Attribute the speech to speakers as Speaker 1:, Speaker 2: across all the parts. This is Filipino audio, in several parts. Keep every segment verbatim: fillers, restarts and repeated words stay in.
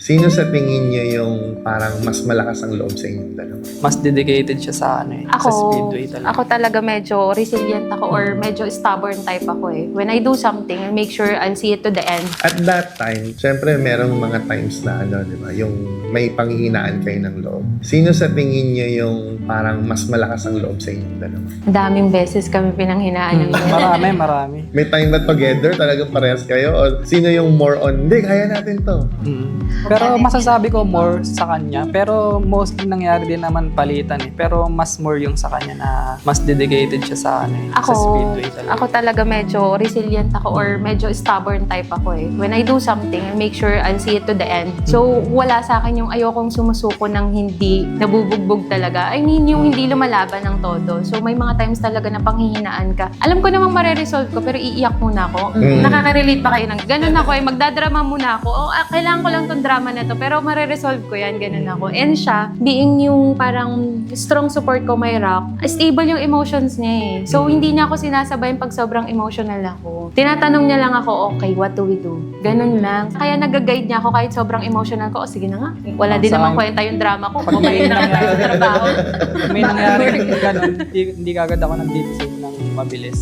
Speaker 1: Sino sa tingin nyo yung parang mas malakas ang loob sa inyong dalawa?
Speaker 2: Mas dedicated siya sa ano eh,
Speaker 3: Ako,
Speaker 2: sa speedway talaga.
Speaker 3: ako talaga medyo resilient ako or medyo stubborn type ako eh. When I do something, I make sure I'll see it to the end.
Speaker 1: At that time, syempre merong mga times na ano, di ba, yung may panghihinaan kayo ng loob. Sino sa tingin nyo yung parang mas malakas ang loob sa inyong dalawa?
Speaker 3: Daming beses kami pinanghinaan ng loob.
Speaker 2: Marami, marami.
Speaker 1: May time ba together talagang parehas kayo? O sino yung more on, hindi, kaya natin to?
Speaker 2: Mm. Pero masasabi ko more sa kanya. Pero mostly nangyari din naman palitan eh. Pero mas more yung sa kanya na mas dedicated siya sa ano eh,
Speaker 3: Ako,
Speaker 2: sa speedway talaga.
Speaker 3: ako talaga medyo resilient ako or medyo stubborn type ako eh. When I do something, I make sure I'll see it to the end. So, wala sa akin yung ayokong sumusuko ng hindi nabubugbog talaga. I mean, yung hindi lumalaban ng todo. So, may mga times talaga na panghihinaan ka. Alam ko namang mareresolve ko, pero iiyak muna ako.
Speaker 1: Mm.
Speaker 3: Nakaka-relate pa kayo ng ganun ako eh. Magdadrama muna ako. O, ah, kailangan ko lang tong drama na to, pero mareresolve ko yan. Ganun ako. And siya, being yung parang strong support ko may rock, stable yung emotions niya eh. So, hindi niya ako sinasabayan pag sobrang emotional ako. Tinatanong niya lang ako, okay, what do we do? Ganun lang. Kaya nag-guide niya ako kahit sobrang emotional ko. O, sige na nga. Wala din
Speaker 2: Sa
Speaker 3: naman
Speaker 2: akin-
Speaker 3: kwenta yung drama ko.
Speaker 2: Pag
Speaker 3: Bumalik
Speaker 2: may
Speaker 3: na lang tayo sa trabaho.
Speaker 2: May nangyari ganun, hindi, hindi kagad ako nag-decide ng mabilis.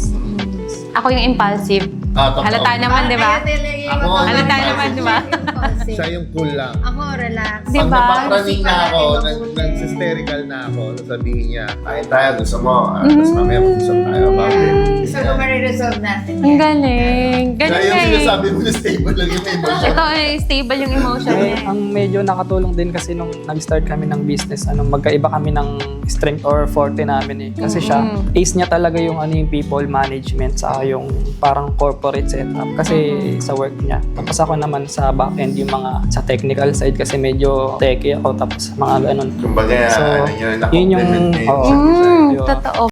Speaker 3: Ako yung impulsive.
Speaker 1: Ah, totoo.
Speaker 3: Halata naman, di ba?
Speaker 1: Ako,
Speaker 3: Halata naman, di ba?
Speaker 1: Siya yung cool lang.
Speaker 4: Ako, relax.
Speaker 3: Di
Speaker 1: Pag
Speaker 3: ba?
Speaker 1: napapraning na ako, nag- nag-hysterical na ako, sabihin niya, kain tayo, gusto mo, ah, tapos mamaya mag-usap tayo about it.
Speaker 4: So, kung mariresolve natin
Speaker 3: Ang
Speaker 4: yan.
Speaker 3: galing. Ganun
Speaker 1: Kaya yung
Speaker 3: nga eh.
Speaker 1: sinasabi mo na stable lang yung emotion.
Speaker 3: Ito, eh, stable yung emotion
Speaker 2: Eh,
Speaker 3: niya. eh.
Speaker 2: ang medyo nakatulong din kasi nung nag-start kami ng business, ano, magkaiba kami ng strength or forte namin eh. Kasi siya,
Speaker 3: Mhm.
Speaker 2: ace niya talaga yung ano yung people management sa yung parang corporate setup kasi sa work niya. Tapos ako naman sa back-end yung mga sa technical side kasi medyo techy ako tapos mga ganun.
Speaker 1: Kumbaga,
Speaker 2: So,
Speaker 1: ano yun,
Speaker 2: yun yung-
Speaker 1: na-compliment niya
Speaker 2: oo.
Speaker 1: yung isa't isa.
Speaker 3: Mm,
Speaker 2: Yun.
Speaker 3: totoo.